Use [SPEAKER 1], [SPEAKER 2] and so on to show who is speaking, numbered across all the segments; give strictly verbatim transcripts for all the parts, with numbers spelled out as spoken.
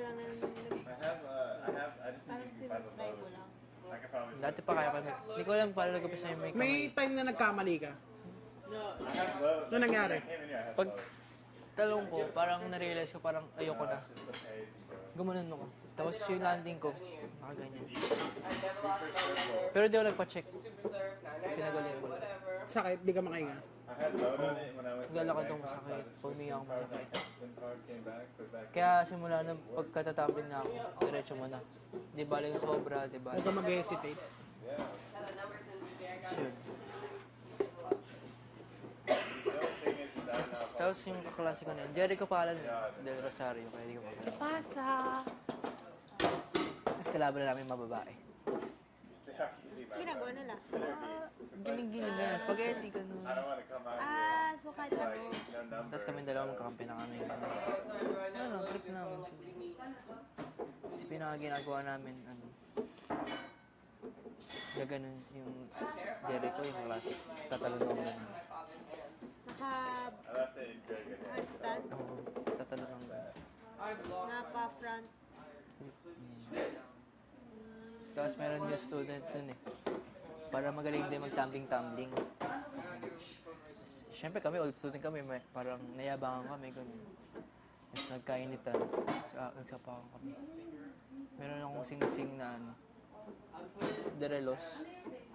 [SPEAKER 1] lang ng...
[SPEAKER 2] I have, uh, I have, I just need
[SPEAKER 1] Parang
[SPEAKER 2] to be by the
[SPEAKER 1] tinatry mo
[SPEAKER 2] low.
[SPEAKER 1] lang.
[SPEAKER 2] I can probably
[SPEAKER 3] Dati pa kaya kami. Hindi ko alam paano nagkapis na yung may kamay.
[SPEAKER 4] May time na nagkamali ka.
[SPEAKER 2] I have low.
[SPEAKER 4] Ano nangyari?
[SPEAKER 2] I came in here, I have
[SPEAKER 3] Pag
[SPEAKER 2] low.
[SPEAKER 3] talong ko, parang na-realize ko parang ayoko na.
[SPEAKER 2] It's just the pace, bro.
[SPEAKER 3] Gumanon ako. Tapos yung landing ko, nakaganyan. Pero di ako nagpa-check. Pinagaling ko lang.
[SPEAKER 4] Sakit, di ka makahinga.
[SPEAKER 2] I had load on it when I went to
[SPEAKER 3] Naglalakad
[SPEAKER 2] Bangkok,
[SPEAKER 3] ako
[SPEAKER 2] so I
[SPEAKER 3] masakit.
[SPEAKER 2] just
[SPEAKER 3] Pag umiyak ako
[SPEAKER 2] switched SIM card,
[SPEAKER 3] masakit.
[SPEAKER 2] like, SIM card came back, put back in.
[SPEAKER 3] Kaya simula nang pagkatatabi na ako, diretso mo na. Di bala yung sobra, di bala.
[SPEAKER 4] Huwag ka mag-hesitate.
[SPEAKER 2] Yeah.
[SPEAKER 3] Sure.
[SPEAKER 2] The only thing is, is I don't know if
[SPEAKER 3] Tapos yung kaklase ko na yun, Jericho Palan del Rosario, kaya di ko pa.
[SPEAKER 1] Pasa!
[SPEAKER 3] Tapos kalaban na namin mababae.
[SPEAKER 2] they are easy, man.
[SPEAKER 1] Ginagawa nila.
[SPEAKER 3] Giling-giling na, spaghetti, ganun.
[SPEAKER 2] I don't want to come out
[SPEAKER 1] Ah, so kahit
[SPEAKER 2] here,
[SPEAKER 1] ano.
[SPEAKER 2] like, no number.
[SPEAKER 3] Tapos kami dalawa magkakampi na kami. Ano, trip namin. Kasi pinaka ginagawa namin, ano, gaganon yung Jericho, yung klase. Tapos tatalon ako ganun.
[SPEAKER 1] Naka
[SPEAKER 2] I left it in very good hands.
[SPEAKER 1] handstand.
[SPEAKER 3] Oo, tapos tatalon ako ganun.
[SPEAKER 1] Napa front.
[SPEAKER 3] Tapos meron yung student nun eh. Para magaling din mag-tumbling-tumbling. Siyempre kami, old student kami, may, parang nayabangan kami, ganun. Tapos nagkainitan, sa, nagsapakan kami. Meron akong sing-sing na ano, Derelos.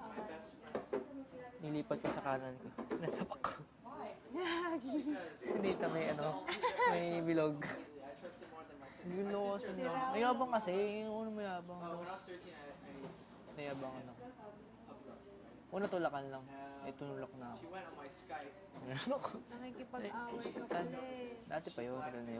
[SPEAKER 3] Nilipat ko sa kanan ko. Nasapak ko. Hindi ito may ano, may bilog. Gulo ko sa no. Mayabang kasi, yung ano mayabang. Tapos, nayabangan ako. Una tulakan lang. Eh, tunulak na ako. Ano ko?
[SPEAKER 1] Nakikipag-away ka pala eh.
[SPEAKER 3] Dati pa yun.